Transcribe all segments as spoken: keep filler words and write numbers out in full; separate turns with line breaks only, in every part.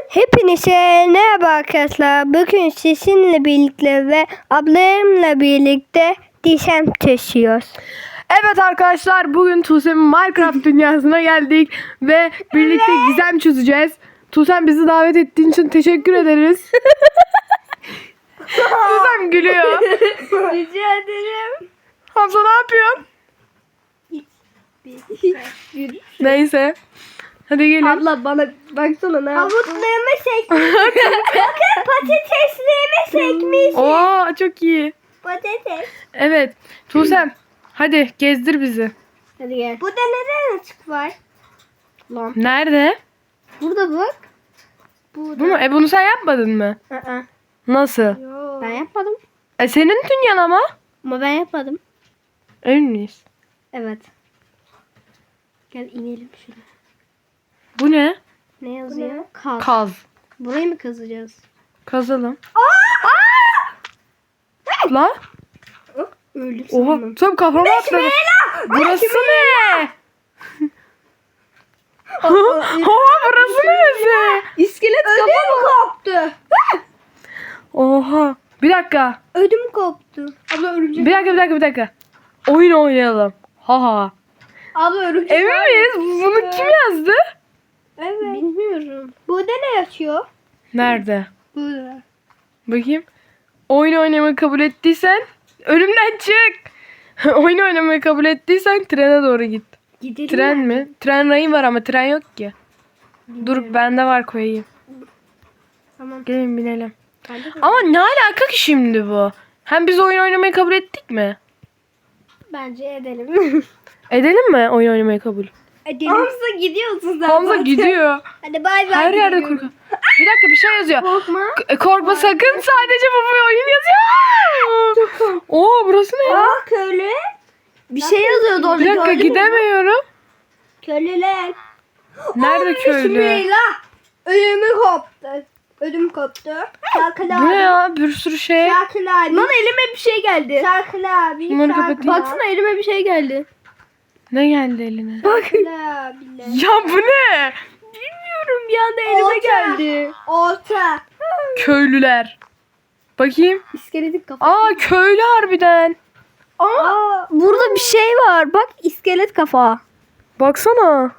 Hepinize merhaba arkadaşlar. Bugün sizinle birlikte ve ablamla birlikte dişem taşıyoruz.
Evet arkadaşlar, bugün Tuğsem'in Minecraft dünyasına geldik ve birlikte gizem çözeceğiz. Tuğsem, bizi davet ettiğin için teşekkür ederiz. Tuğsem gülüyor.
Rica ederim.
Hamza ne yapıyorsun? Neyse. Hadi gelin.
Abla bana baksana ne yaptın? Havutlarımı sekmiş. Bakın patateslerimi sekmiş.
Oo, çok iyi.
Patates.
Evet. Tuğsem, hadi gezdir bizi.
Hadi gel. Burada neden açık var? Lan.
Nerede?
Burada bak. Burada.
Bu mu? E bunu sen yapmadın mı?
Aa.
Nasıl?
Yo. Ben yapmadım.
E senin dünyan ama.
Ama ben yapmadım.
Emin miyiz?
Evet. Gel inelim şuraya.
Bu ne?
Ne yazıyor? Kaz.
Kaz.
Burayı mı kazacağız?
Kazalım. Lan.
Öldüm
Oha.
sandım.
Tuğsem kafama atladı. Burası ne? Oha, burası neresi?
İskelet kafam koptu.
Oha. Bir dakika.
Ödüm koptu. Abla örümcek.
Bir dakika bir dakika bir dakika. Oyun oynayalım. Ha ha.
Abla örümcek.
Emin miyiz? Bunu kim yazdı?
Evet. Bilmiyorum. Burada ne yazıyor?
Nerede?
Burada.
Bakayım. Oyun oynamayı kabul ettiysen önümden çık. Oyun oynamayı kabul ettiysen trene doğru git.
Gidelim.
Tren mi? Tren rayı var ama tren yok ki. Dur, bende var, koyayım.
Tamam.
Gelin binelim.
Bende de-
Ama ne alaka ki şimdi bu? Hem biz oyun oynamayı kabul ettik mi?
Bence edelim.
Edelim mi oyun oynamayı kabul?
edelim. Hamza gidiyorsun zaten.
Hamza gidiyor.
Hadi bay bay.
Her yerde
gidiyorum.
korku. Bir dakika, bir şey yazıyor.
Korkma.
K- Korkma sakın, sadece bu bir oyun yazıyor. Oo, burası ne ya?
Aa köylü. Bir şey yazıyordu orada.
Bir dakika,
gördün mü?
gidemiyorum.
Köylüler.
Nerede köylü?
Bismillah. Ödümü koptu. Ödüm koptu. Şarkılı
Bu
abi.
ne ya? Bir sürü şey.
Şarkılı abi. Lan elime bir şey geldi. Şarkılı abi.
Bunları
şarkılı
kapatayım.
abi. Baksana elime bir şey geldi.
Ne geldi eline?
Şarkılı abiler.
Ya bu ne?
Bilmiyorum bir anda elime Orta. geldi. Orta.
Köylüler. Bakayım.
İskeletin kafa.
Aa, köylü harbiden.
Aa, burada bir şey var. Bak iskelet kafa.
Baksana.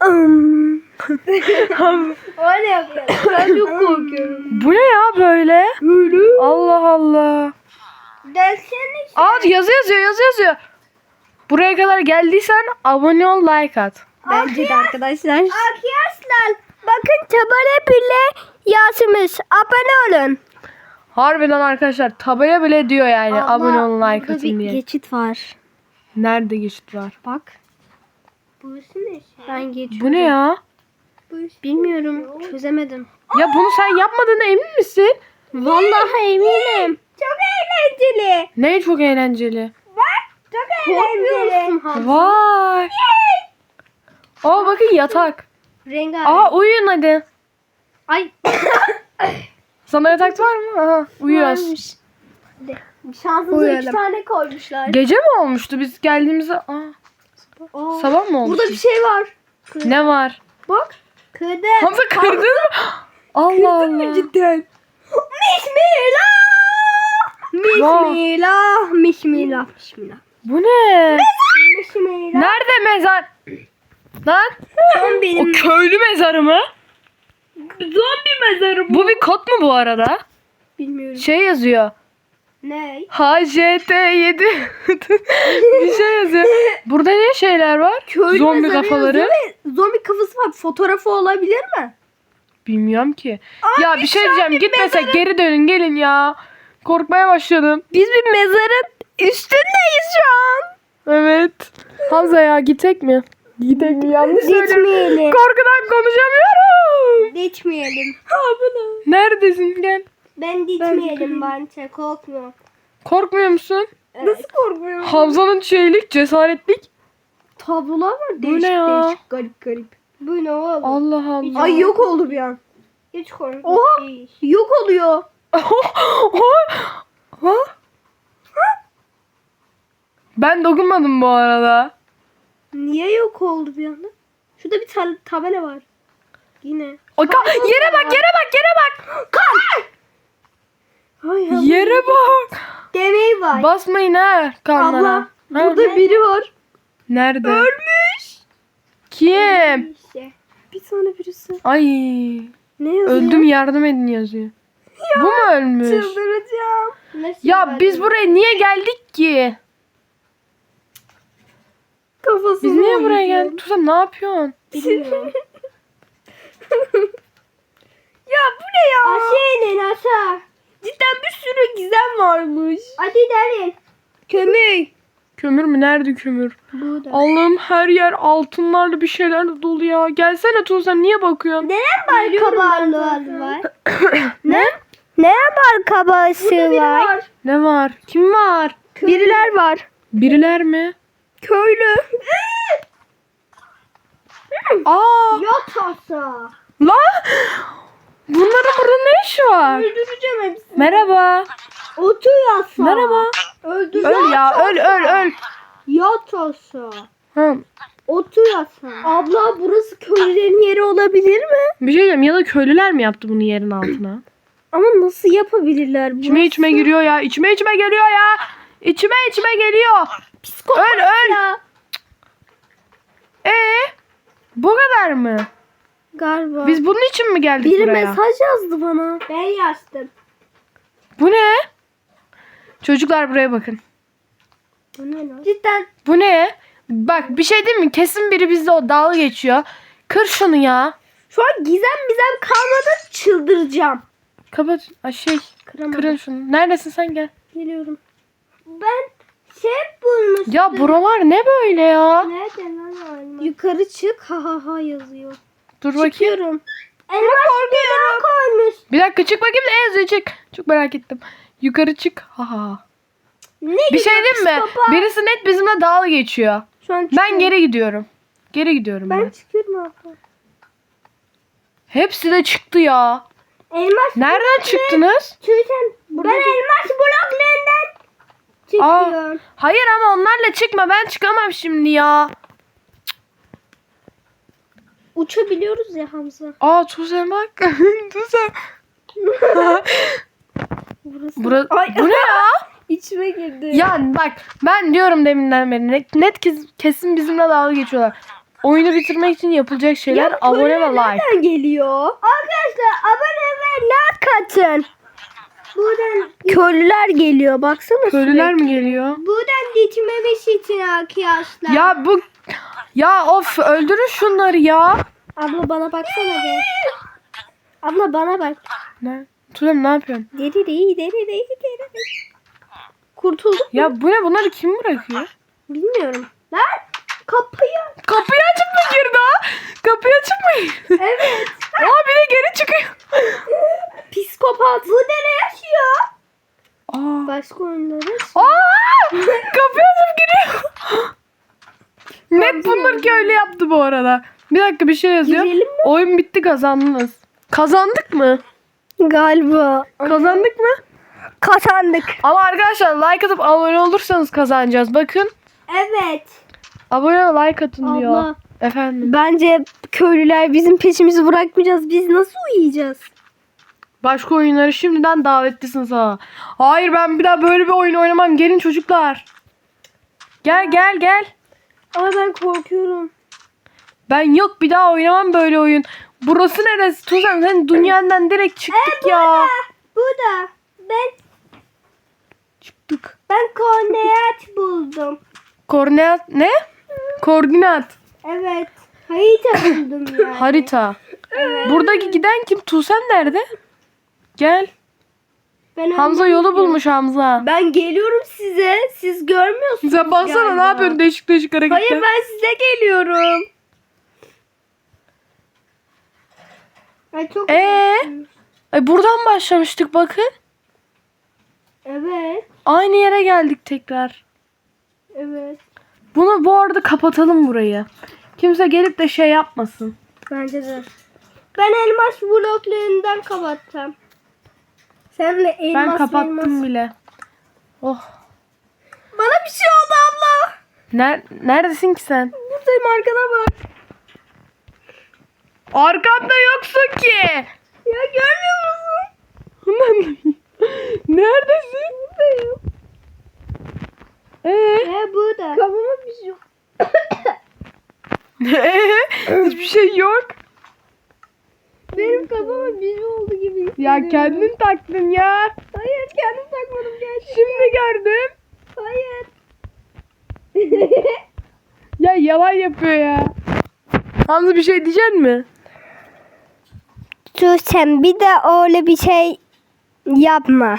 Öyle yapıyorum. Ben çok korkuyorum.
Bu ne ya böyle? Allah Allah.
Dersene.
Aa, yazı yazıyor, yazı yazıyor. Buraya kadar geldiysen abone ol, like at.
Bence de arkadaşlar. Arkadaşlar bakın tabela bile yazmış. Abone olun.
Harbiden arkadaşlar, tabela bile diyor yani
Abla,
abone olun, like
burada
atın
bir
diye.
geçit var.
Nerede geçit var?
Bak. Burası ne? Ben geçiyorum.
Bu ne ya?
Bilmiyorum. Çözemedim.
Ya bunu sen yapmadığına emin misin?
Vallahi eminim. Çok eğlenceli.
Ne çok eğlenceli.
Bak. Çok eğlenceli.
Vay. Aa, bakın yatak.
Rengarenk.
Aa, uyuyun hadi.
Ay.
Sana yatak var mı? Aha, uyuyoruz.
Varmış. Şansınıza iki tane koymuşlar.
Gece mi olmuştu biz geldiğimizde? Aa,
Aa,
sabah mı olmuş?
burada bir şey var.
Ne var?
Bak. Kırdım.
Hamza kırdın mı? Allah Allah.
Cidden. Bismillah. Bismillah. Bismillah. Bismillah.
Bu ne?
Bismillah.
Nerede mezar? Lan?
Son
O
benim.
köylü mezarı mı?
Zombi mezarı
Bu bir kod mu bu arada?
Bilmiyorum.
Şey yazıyor.
Ne?
H J T yedi bir şey yazıyor. Burada ne şeyler var?
Köylü
Zombi
mezarı
kafaları.
yazıyor ve Zombi kafası var. Fotoğrafı olabilir mi?
Bilmiyorum ki. Ya bir şey diyeceğim. Gitmesek geri dönün, gelin ya. Korkmaya başladım.
Biz bir mezarın üstündeyiz şu an.
Evet. Hamza ya, gitsek mi? Gidelim mi? Yanlış söylüyorum.
Gitmeyelim.
Korkudan konuşamıyorum.
Gitmeyelim.
Neredesin? Gel.
Ben gitmeyelim bence. Korkma.
Korkmuyor musun?
Nasıl korkmuyorum?
Hamza'nın şeylik, cesaretlik.
Tablolar var.
Bu ne ya?
Değişik garip garip. Bu ne oğlum?
Allah Allah.
Ay yok oldu bir an. Hiç korkma. Oha. Değil. Yok oluyor.
Ha? Ben dokunmadım bu arada.
Niye yok oldu bir anda? Şurada bir ta- tabela var. Yine.
O ka- yere bak, yere bak, Yere bak.
Demeyi var.
Basmayın ha kanlara.
Abla
Ha?
burada biri var.
Nerede?
Ölmüş.
Kim?
İşte. Bir tane birisi.
Ay.
Ne yazıyor?
Öldüm yardım edin yazıyor. Bu mu ölmüş?
Çıldıracağım. Nasıl
Ya
yani?
biz buraya niye geldik ki?
Kafasını
Biz niye buraya
oynuyor.
geldik? Tuzan ne yapıyorsun?
Bilmiyorum. Ya bu ne ya? Aşağı inin aşağı. Cidden bir sürü gizem varmış. Hadi derin. Kömür.
Kömür mü? Nerede kömür?
Burada.
Allah'ım her yer altınlarla bir şeylerle dolu ya. Gelsene Tuzan niye bakıyorsun?
Neden bal kabağı var? ne? Neden bal kabağısı var? var?
Ne var? Kim var?
Biriler var.
Biriler mi?
Köylü.
Aa!
Yatasa.
Lan! Bunların burada ne işi var?
Öldüreceğim hepsini.
Merhaba.
Otur yatsa.
Merhaba.
Öldür.
Öl ya, öl öl öl.
Yatasa.
Hı.
Otur yatsa. Abla burası köylülerin yeri olabilir mi?
Bir şey diyeceğim ya da köylüler mi yaptı bunu yerin altına?
Ama nasıl yapabilirler?
İçime içime giriyor ya. İçime içime geliyor ya. İçime içime geliyor.
Psikopat
Öl öl.
ya.
Ee? Bu kadar mı?
Galiba.
Biz bunun için mi geldik
Biri
buraya?
mesaj yazdı bana. Ben yazdım.
Bu ne? Çocuklar buraya bakın.
Bu ne lan? Cidden.
Bu ne? Bak bir şey değil mi? Kesin biri bizle o dalga geçiyor. Kır şunu ya.
Şu an gizem bizem kalmadı, çıldıracağım.
Kapat. Ay şey.
Kıramadım.
Kırın şunu. Neredesin sen gel.
Geliyorum. Ben şey bulmuştum.
Ya buralar ne böyle ya?
Nerede lan? Yukarı çık ha ha ha yazıyor.
Dur bakayım.
Çıkıyorum. Elmas korkuyorum. Koymuş.
Bir dakika çık bakayım ne yazıyor çık. Çok merak ettim. Yukarı çık. Ha ha.
Ne
Bir
güzel
şey diyeyim mi?
psikopat.
Birisi net bizimle dalga geçiyor.
Şu an
Ben
çıkıyorum.
geri gidiyorum. Geri gidiyorum ben.
Ben çıkıyorum abla.
Hepsi de çıktı ya.
Elmas
Nereden çıktınız?
Tüyten. Ben elmas bloklarından
Aa,
çıkıyorum.
hayır ama onlarla çıkma. Ben çıkamam şimdi ya.
Uçabiliyoruz ya Hamza.
Aa Tuğsem bak. Tuğsem.
Burası.
Bura,
Ay.
bu ne ya?
İçime girdi.
Ya bak ben diyorum deminden beri net, net kes- kesin bizimle dalga geçiyorlar. Oyunu bitirmek için yapılacak şeyler
Ya
abone ve
köylüler
like.
nereden geliyor? Arkadaşlar abone ve like atın. Buradan köylüler geliyor baksana.
Köylüler
sürekli.
mi geliyor?
Buradan gitmemiş için arkadaşlar.
Ya bu ya of öldürün şunları ya.
Abla bana baksana be. Abla bana bak.
Ne? Tuğsem ne yapıyorsun?
Deri değil deri değil deri değil. Kurtulduk mu?
Ya bu ne bunları kim bırakıyor?
Bilmiyorum. Lan kapıyı.
Kapıyı açıp mı girdi ha? Kapıyı açıp mı girdi?
Evet.
Aa bir de geri çıkıyor.
Psikopat. Bu ne yaşıyor?
Aa.
Başka oyunları.
Aa! Kapıyı açıp giriyor. Net bunlar ki öyle yaptı bu arada. Bir dakika bir şey yazıyor.
Girelim mi?
Oyun bitti kazandınız. Kazandık mı?
Galiba.
Kazandık mı?
Kazandık.
Ama arkadaşlar like atıp abone olursanız kazanacağız. Bakın.
Evet.
Abone ve like atın diyor.
Abla.
Efendim.
Bence köylüler bizim peşimizi bırakmayacağız. Biz nasıl uyuyacağız?
Başka oyunları şimdiden davetlisiniz ha. Hayır ben bir daha böyle bir oyun oynamam. Gelin çocuklar. Gel gel gel.
Ama ben korkuyorum.
Ben yok bir daha oynamam böyle oyun. Burası neresi? Tuzan sen dünyandan direkt çıktık ya.
Bu da. Ben
Çıktık.
ben koordinat buldum.
Koordinat ne? Koordinat.
Evet. Harita buldum yani.
Harita.
Evet.
Buradaki giden kim? Tuğsen nerede? Gel.
Ben
Hamza
anlamadım.
yolu bulmuş Hamza.
Ben geliyorum size. Siz görmüyorsunuz.
Sen baksana
galiba.
ne yapıyorsun değişik değişik hareketler.
Hayır ben size geliyorum. Ay çok
Ee? Ay buradan başlamıştık bakın.
Evet.
Aynı yere geldik tekrar.
Evet.
Bunu bu arada kapatalım burayı. Kimse gelip de şey yapmasın.
Bence de. Ben elmas bloklarından kapattım. Sen de elmas
Ben kapattım
elmas.
bile. Oh.
Bana bir şey oldu abla.
Ner neredesin ki sen?
Buradayım arkana bak.
Arkamda yoksun ki.
Ya görmüyor musun?
Neredesin?
Buradayım.
Ee?
He burada. Kafama bir şey yok.
Ee? Hiçbir şey yok.
Benim kafama bir şey oldu gibi hissediyorum.
Ya kendin taktın ya.
Hayır kendim takmadım gerçekten.
Şimdi gördüm.
Hayır.
Ya yalan yapıyor ya. Hamza bir şey diyecek mi?
Sus sen bir de öyle bir şey yapma.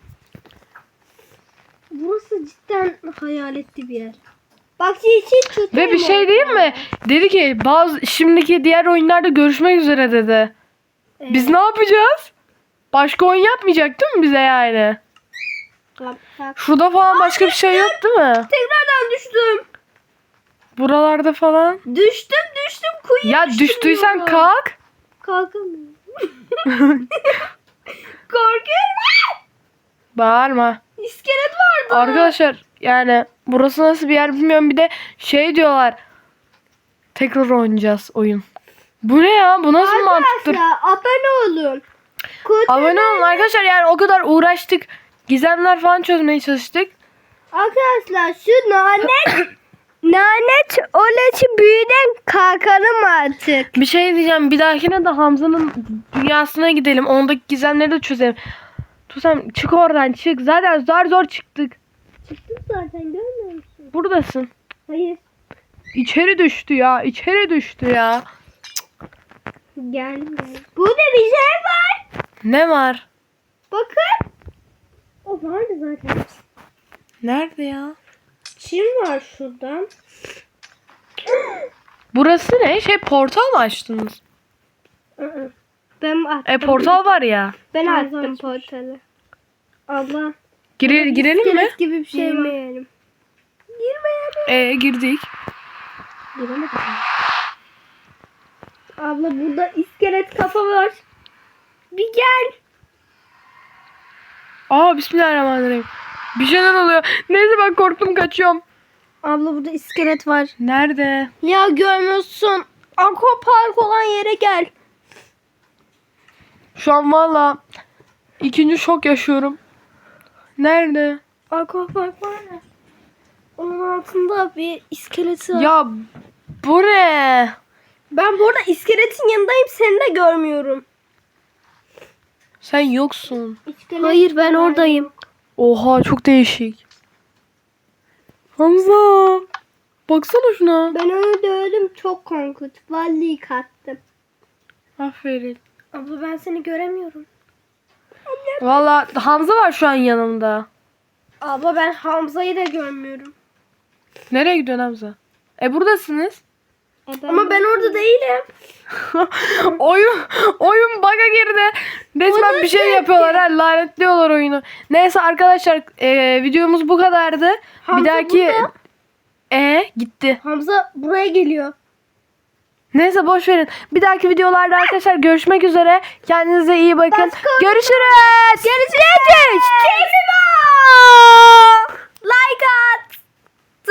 Burası cidden hayaletli bir yer. Bak hiç tut.
Ve bir şey diyeyim mi? Dedi ki bazı şimdiki diğer oyunlarda görüşmek üzere dedi.
Evet.
Biz ne yapacağız? Başka oyun yapmayacak değil mi bize yani? Şurada falan başka bir şey yok değil mi?
Tekrardan düştüm.
Buralarda falan.
Düştüm düştüm kuyuya
Ya
düştüm
düştüysen
diyorum.
kalk.
Kalkamıyorum. Korkuyorum.
Bağırma.
İskelet vardı.
Arkadaşlar yani burası nasıl bir yer bilmiyorum. Bir de şey diyorlar. Tekrar oynayacağız oyun. Bu ne ya? Bu nasıl mantıktır?
Arkadaşlar abone olun. Kutu-
Abone olun arkadaşlar, yani o kadar uğraştık. Gizemler falan çözmeye çalıştık.
Arkadaşlar şu lanet lanet olası büyüden kalkalım artık.
Bir şey diyeceğim. Bir dahakine de Hamza'nın dünyasına gidelim. Ondaki gizemleri de çözelim. Tuzem çık oradan çık. Zaten zor zor çıktık.
Çıktım zaten görmüyor musun?
Buradasın.
Hayır.
İçeri düştü ya. İçeri düştü ya.
Gelmiyor. Burada bir şey var.
Ne var?
Bakın. O vardı zaten.
Nerede ya?
Çim var şuradan.
Burası ne? Şey, portal mı açtınız?
Aa, ben attım.
E portal var ya.
Ben attım portalı. Abla.
Gire, girelim mi?
İskelet gibi bir şey Girmeyelim. Girmeyelim.
E girdik.
Giremedim. Abla burada iskelet kafa var. Bir gel.
Aa bismillahirrahmanirrahim. Bir şeyler oluyor. Neyse ben korktum, kaçıyorum.
Abla burada iskelet var.
Nerede?
Ya görmüyorsun. Aquapark olan yere gel.
Şu an valla ikinci şok yaşıyorum. Nerede?
Aquapark var ya. Onun altında bir iskeleti var.
Ya bu ne?
Ben burada iskeletin yanındayım, seni de görmüyorum.
Sen yoksun.
Hayır ben oradayım.
Oha çok değişik. Hamza. Baksana şuna.
Ben onu dövdüm, çok korkunç. Vallahi kattım.
Aferin.
Abla ben seni göremiyorum.
Valla Hamza var şu an yanımda.
Abla ben Hamza'yı da görmüyorum.
Nereye gidiyorsun Hamza? E buradasınız.
Ama ben orada değilim.
oyun oyun bug'a girdi. Resmen
Onu
bir şey
çekti.
yapıyorlar. Ha, lanetliyorlar oyunu. Neyse arkadaşlar e, videomuz bu kadardı.
Hamza
bir dahaki
burada.
e gitti.
Hamza buraya geliyor.
Neyse boş verin. Bir dahaki videolarda arkadaşlar görüşmek üzere. Kendinize iyi bakın.
Başka-
Görüşürüz.
Görüşürüz. Like at.